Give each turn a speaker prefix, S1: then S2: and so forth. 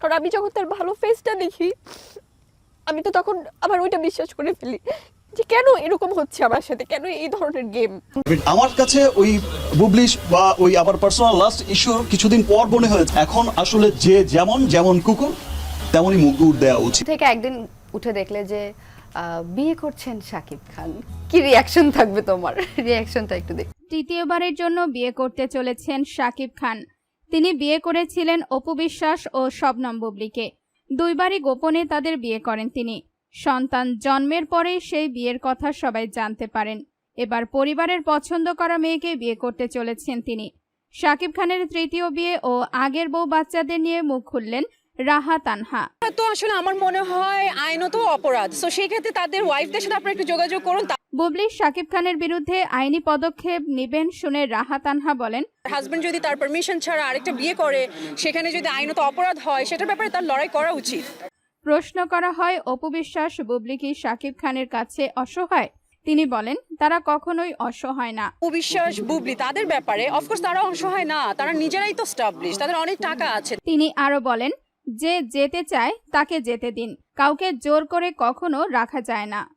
S1: কারণ আমি যখন তার ভালো ফেসটা দেখি আমি তো তখন আবার ওইটা বিশ্বাস করে ফেলি যে কেন এরকম হচ্ছে আমার সাথে, কেন এই ধরনের গেম।
S2: আমার কাছে ওই বুবলিশ বা ওই আবার পার্সোনাল লাস্ট ইস্যুর কিছুদিন পর মনে হয়েছে এখন আসলে যে যেমন কুকুর তেমনই মুগুর দেওয়া উচিত।
S3: থেকে একদিন উঠে দেখলে যে বিয়ে করছেন শাকিব খান, কি রিয়াকশন থাকবে তোমার? রিয়াকশনটা একটু দেখ।
S4: তৃতীয়বারের জন্য বিয়ে করতে চলেছেন শাকিব খান। তিনি বিয়ে করেছিলেন অপু বিশ্বাস ও শবনম বুবলীকে। দুইবারই গোপনে তাদের বিয়ে করেন তিনি। সন্তান জন্মের পরেই সেই বিয়ের কথা সবাই জানতে পারেন। এবার পরিবারের পছন্দ করা মেয়েকে বিয়ে করতে চলেছেন তিনি। শাকিব খানের তৃতীয় বিয়ে ও আগের বউ বাচ্চাদের নিয়ে মুখ খুললেন রাহা তানহা।
S5: তো আসলে আমার মনে হয় আইনত অপরাধ, সো সেই ক্ষেত্রে তাদের ওয়াইফদের সাথে আপনারা একটু যোগাযোগ করুন।
S4: বুবলী শাকিব খানের বিরুদ্ধে আইনি পদক্ষেপ নেবেন শুনে রাহা তানহা বলেন,
S5: হাজবেন্ড যদি তার পারমিশন ছাড়া আরেকটা বিয়ে করে, সেখানে যদি আইনত অপরাধ হয়, সেটার ব্যাপারে তার লড়াই করা উচিত।
S4: প্রশ্ন করা হয় অপু বিশ্বাস বুবলী কি শাকিব খানের কাছে অসহায়? তিনি বলেন তারা কখনোই অসহায় না।
S5: অবিশ্বাস বুবলি তাদের ব্যাপারে অফকোর্স তারা অসহায় না, তারা নিজেরাই তো স্টাবলিশ, তাদের অনেক টাকা আছে।
S4: তিনি আরো বলেন যে যেতে চায় তাকে যেতে দিন, কাউকে জোর করে কখনো রাখা যায় না।